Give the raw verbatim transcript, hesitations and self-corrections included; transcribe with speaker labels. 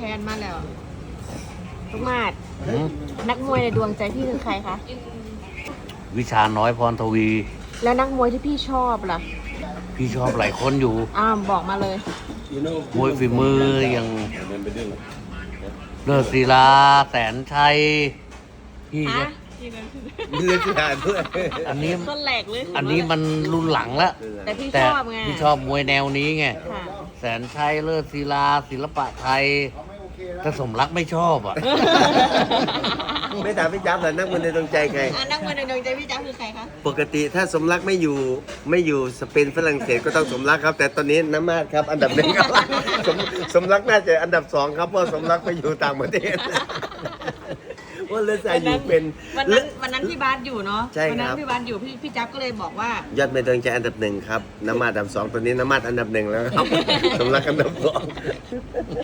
Speaker 1: พนมาแล้วลูกมาด
Speaker 2: หืม
Speaker 1: นักมวยในดวงใจพี่คือใครคะ
Speaker 2: วิชาน้อยพรทวี
Speaker 1: แล้วนักมวยที่พี่ชอบล่ะ
Speaker 2: พี่ชอบหลายคนอยู่
Speaker 1: อ้าวบอกมาเลย
Speaker 2: มวยฝีมืออย่างเลิศศิลาแสนชัยพี่
Speaker 1: ฮะ
Speaker 2: จะ
Speaker 3: เลือดที่หาด้วย
Speaker 2: อันนี้
Speaker 1: ต้นแหลกเลย
Speaker 2: อันนี้มันรุ่นหลังแล้ว
Speaker 1: แต่พี่
Speaker 2: แต่
Speaker 1: ชอบไง
Speaker 2: พี่ชอบมวยแนวนี้ไง
Speaker 1: ค่ะ
Speaker 2: แสนชัยเลิศศิลาศิลปะไทยแต่สมรักไม่ชอบอ่ะ
Speaker 3: ไม่ถามพี่จับเหรอนักมวยในดวงใจใคร
Speaker 1: อ่ะนักมวยในดวงใจพี่จ้าคือใครคะ
Speaker 3: ปกติถ้าสมรักไม่อยู่ไม่อยู่สเปนฝรั่งเศสก็ต้องสมรักครับ แต่ตอนนี้น้ำมาดครับ อันดับหนึ่งครับ สมสมรักน่าจะอันดับสองครับเพราะสมรักไปอยู่ต่างประเทศว่าเลือดใจอยู่เป็น
Speaker 1: วันนั้นวันนั้นพี่บาสอยู่เนาะ
Speaker 3: ใช่ครับ
Speaker 1: วันั้นพี่บาสอยู่พี่พี่จับก็เลยบอกว่า
Speaker 3: ยอดเมดวงใจอันดับหนึ่งครับน้ำมาดอันดับสองตอนนี้น้ำมาดอันดับหนึ่งแล้วครับ สมรักอันดับสอง